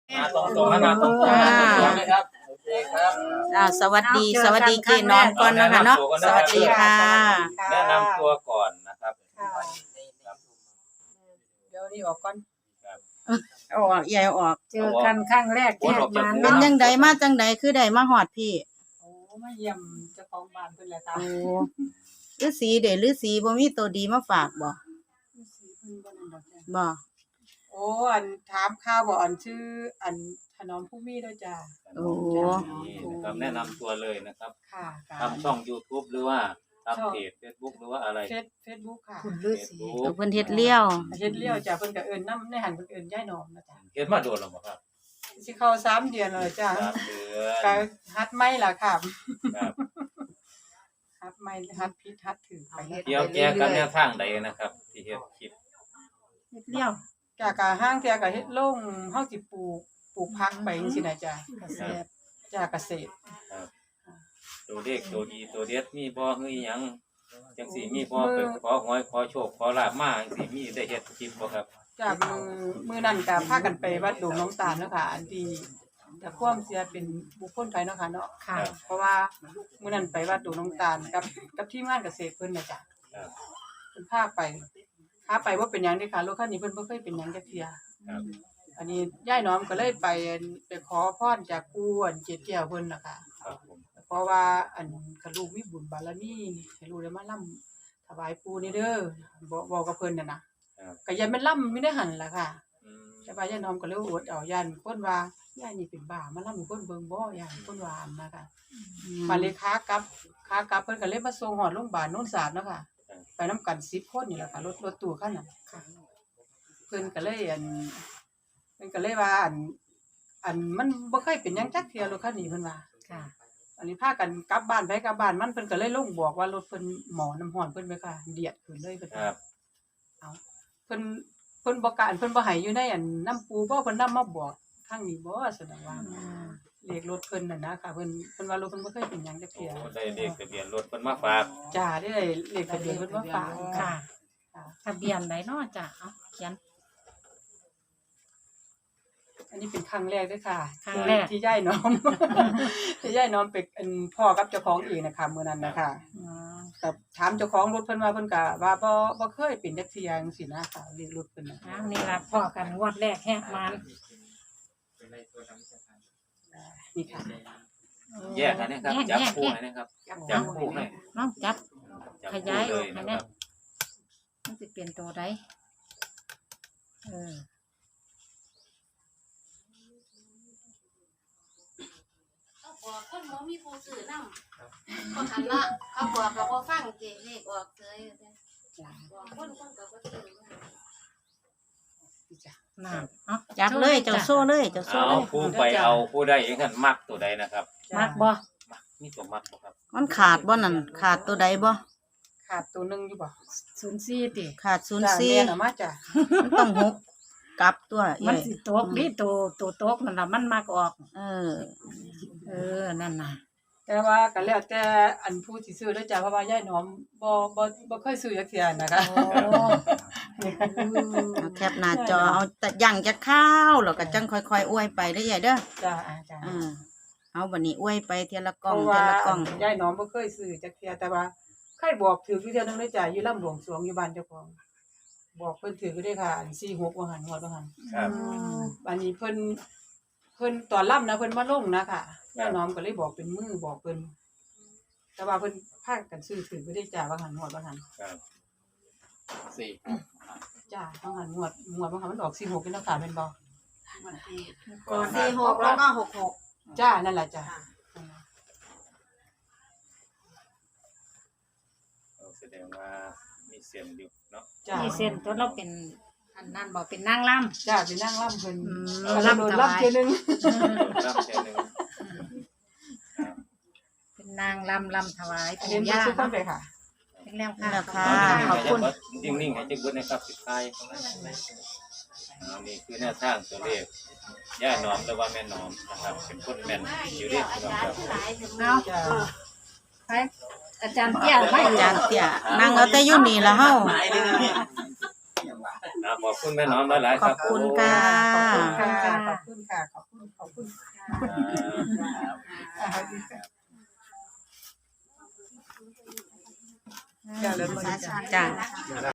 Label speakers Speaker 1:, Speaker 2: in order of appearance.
Speaker 1: ตรงๆนะตรงๆนะครับโอเคครับ
Speaker 2: สวัสดีเจน้อมก่อนนะคะเนาะสวัสดีค่ะ
Speaker 1: แนะนำตัวก่อนนะครับ
Speaker 3: เดี๋ยวนี้ออกก่อน
Speaker 2: เอาออกใหญ่ออก
Speaker 3: เจอกันครั้งแรกที่มา
Speaker 2: เป็นยังไดมาจังใดคือได้มาฮอดพี่
Speaker 3: โอ้มาเยี่ยมเจ้าของบ้านเพิ่นแหละค่ะ
Speaker 2: โอ้ฤาษีฤาษีบ่มีตัวดีมาฝากบ่บ่
Speaker 3: โอ้อันถามข่าวบ่อันชื่ออันถนอมผู้มีด้วยจ้า
Speaker 2: โอ้
Speaker 1: นะครับแนะนำตัวเลยนะครับ
Speaker 3: ค่ะ
Speaker 1: ทำช่อง YouTube หรือว่าทำเพจ Facebook หรือว่าอะไร
Speaker 3: Facebook ค่ะ
Speaker 2: คุณฤาษีเพิ่นเฮ็ดเลี้ยว
Speaker 3: จ้ะเพิ่นก็เอิ้นนำในหันเพิ่นเอิ้นยายหนอมนะจ้ะ
Speaker 1: เฮ็ดมาโดนแล้วบ่ครับ
Speaker 3: สิเข้า3 เดือนแล้วจ้ะ
Speaker 1: 3 เดือน
Speaker 3: ก็หัดใหม่ล่ะครับ
Speaker 1: ครับ
Speaker 3: หัดใหม่หัดผิดหัดถูกไป
Speaker 1: เกี่ยวแก้กันแนวทางใดนะครับที่เฮ็ดคลิป
Speaker 3: เฮ็ดเลี้ยวจ้ะก็ห้างเที่ยก็เฮ็ดลงเฮาสิปลูกผักไปจังซี่น่ะจ้ะเกษตรจ้ะเกษตร
Speaker 1: ครับตัวเลขตัวดีตัวเด็ดมีบ่คือหยังจังสิมีบ่ไปขอหวยขอโชคขอลาภมาจังสิมีได้เฮ็ดคลิปบ่ครับ
Speaker 3: จากมือนั่นก็พากันไปวัดดงน้องตาลเนาะค่ะอันที่แต่ความเสียเป็นบุคคลภายเนาะค่ะเนาะค่ะเพราะว่ามือนั่นไปวัดดงน้องตาลกับทีมงานเกษตรเพิ่นน่ะจ้ะเพิ่นพาไปว่าเป็นหยังเด้ค่ะรถคันนี้เพิ่นบ่เคยเป็นหยังจักเที่ยอันนี้ย่ายน้อมก็เลยไปขอพรจากปู่อันเจ็ดแก้วเพิ่นน่ะค่ะเพราะว่าอันกระลูกมีบุญบารมีให้ลูกได้มาร่ำถวายปู่นี่เด้อบอกกับเพิ่นน่ะนะก็ยันมันล่ำไม่ได้หันล่ะค่ะแต่ว่าย่าน้อมก็เลยอดเอายันคนว่าย่านี่เป็นบ้ามาล่ำคนเบิ่งบ่ย่าคนว่านะคะมาเลยค้ากลับเพิ่นก็เลยมาส่งฮอดโรงพยาบาลโนนสาดเนาะค่ะไปนำกัน10 คนนี่แหละค่ะรถตู้คันนั้นเพิ่นก็เลยว่าอันมันบ่เคยเป็นหยังจักเที่ยรถคันนี้เพิ่นว่าค่ะอันนี้พากันกลับบ้านไปกลับบ้านมันเพิ่นก็เลยลงบอกว่ารถเพิ่นหมอน้ำร้อนเพิ่นไปค่ะเดียดขึ้นเลยเพิ่นครับเอาเพิ่นบ่การเพิ่นบ่ให้อยู่ในอันน้ำปูบ่เพิ่นนำมาบอกทางนี้บ่แสดงว่าเลขรถเพิ่นน่ะนะค่ะเพิ่นว่ารถเพิ่นบ่เคยเป็นหยังจักเที่ย
Speaker 1: ได้เลขทะเบียนรถเพิ่นมาฝาก
Speaker 3: จ้าได้เลขทะเบียนเพิ่นมาฝาก
Speaker 4: ค่ะทะเบียนใดเนาะจ้ะเอ้าเขียน
Speaker 3: อันนี้เป็นครั้งแรกด้วยค่ะ
Speaker 4: ครั้งแรก
Speaker 3: ที่ย่ายน้อมที่ย่ายน้อมเป็นพ่อกับเจ้าของเองนะคะมื้อนั้นนะคะแต่ถามเจ้าของรถเพิ่นว่าเพิ่นก็ว่าบ่เคยเป็นจักเที่ยจังซี่นะค่ะเรียกรถเพิ่นน่ะ
Speaker 4: นี่ล่ะพ่อกันงวดแรกแฮกมัน
Speaker 3: นี่ค่ะ
Speaker 1: แยกกันนะครับจับคู่ให้นะครับจับคู่ให้
Speaker 4: น้องจับขยายให้แน่มันสิเป็นตัวใด
Speaker 5: บอกคนบ่มีผู้ซื้อนำเขาหันละเขาบอกก็บ่ฟังเจเลขออกเฉยบอกคนก็บ่ซื้อ
Speaker 4: นั่นเอ้า
Speaker 2: จับเลยเจ้าโซ่เลยเจ้าโซ่เลย
Speaker 1: ผู้ไปเอาผู้ใดอย่างนั้นมักตัวใดนะครับ
Speaker 4: มักบ่
Speaker 1: มีตัวมักบ่ครับ
Speaker 2: มันขาดบ่นั่นขาดตัวใดบ่
Speaker 3: ขาดตัวนึงอยู่บ่
Speaker 4: 04ติ
Speaker 2: ขาด04
Speaker 3: น่ะมาจ้ะ
Speaker 2: มันต้อง6กลับตัว
Speaker 4: มันสิตกนี่ตัวตกนั่นล่ะมันมักออกนั่นน่ะ
Speaker 3: แต่ว่าก็แล้วแต่อันผู้สิซื้อเด้อจ้ะเพราะว่าย่ายน้อมบ่เคยซื้อจักเที่ยนะคะ
Speaker 2: แคปหน้าจอเอาแต่ยังจะข้าวแล้วก็จังค่อยๆอวยไปเด้อใหญ่เด้อ
Speaker 3: จ้ะ
Speaker 2: เอาบัดนี้อวยไปเทีละกล่อง
Speaker 3: ย่ายน้อมบ่เคยซื้อจักเที่ยแต่ว่าเคยบอกถืออยู่เทื่อนึงเด้อจ้ะอยู่ลำหลวงสรวงอยู่บ้านเจ้าของบอกเพิ่นถืออยู่เด้อค่ะอัน46ว่าหันฮอดว่าหัน
Speaker 1: ครับ
Speaker 3: บัดนี้เพิ่นตอนล่ำนะเพิ่นมาลงนะค่ะย่าน้อมก็เลยบอกเป็นมือบอกเพิ่นแต่ว่าเพิ่นพากันซื้อถือบ่ได้จ้าว่าหันฮอดว่าหัน
Speaker 1: ครับ4
Speaker 3: จ้าว่าหันฮอดว่าหันมันออก46นี่เนาะค่ะแม่นบ่
Speaker 5: ก่อน46แล้วก็66
Speaker 3: จ้านั่นล่ะจ้า
Speaker 1: แสดงว่ามีเส้นอยู่เนาะ
Speaker 4: มีเส้นตัวเราเป็นอันนั้นบ่เป็นนางรำ
Speaker 3: จ้าเป็นนางรำเพิ่นรำเทื่อนึง
Speaker 4: เป็นนางรำถวายปู่
Speaker 3: ย่าเนาะค่ะ
Speaker 4: เป็นแล้วค่ะ
Speaker 2: ขอบคุณ
Speaker 1: นิ่งๆให้จักเบิดนะครับสุดท้ายนี่คือแนวทางตัวเลขย่าน้อมหรือว่าแม่น้อมนะครับเป็นคนแม่นอยู่เด้ครับ
Speaker 4: เนาะไปอาจารย์เตี้ย
Speaker 2: อาจารย์เตี้ยนั่งเอาแต่อยู่นี่ล่ะเฮา
Speaker 1: ขอบคุณแม่น้อมหลายๆ
Speaker 2: ข
Speaker 1: ค
Speaker 2: อ
Speaker 1: รั
Speaker 2: บบ คุณค่ะ
Speaker 3: ขอบคุณค่ะขอบคุณค่ะขอบคุณอย่าลืมมา
Speaker 2: จ้า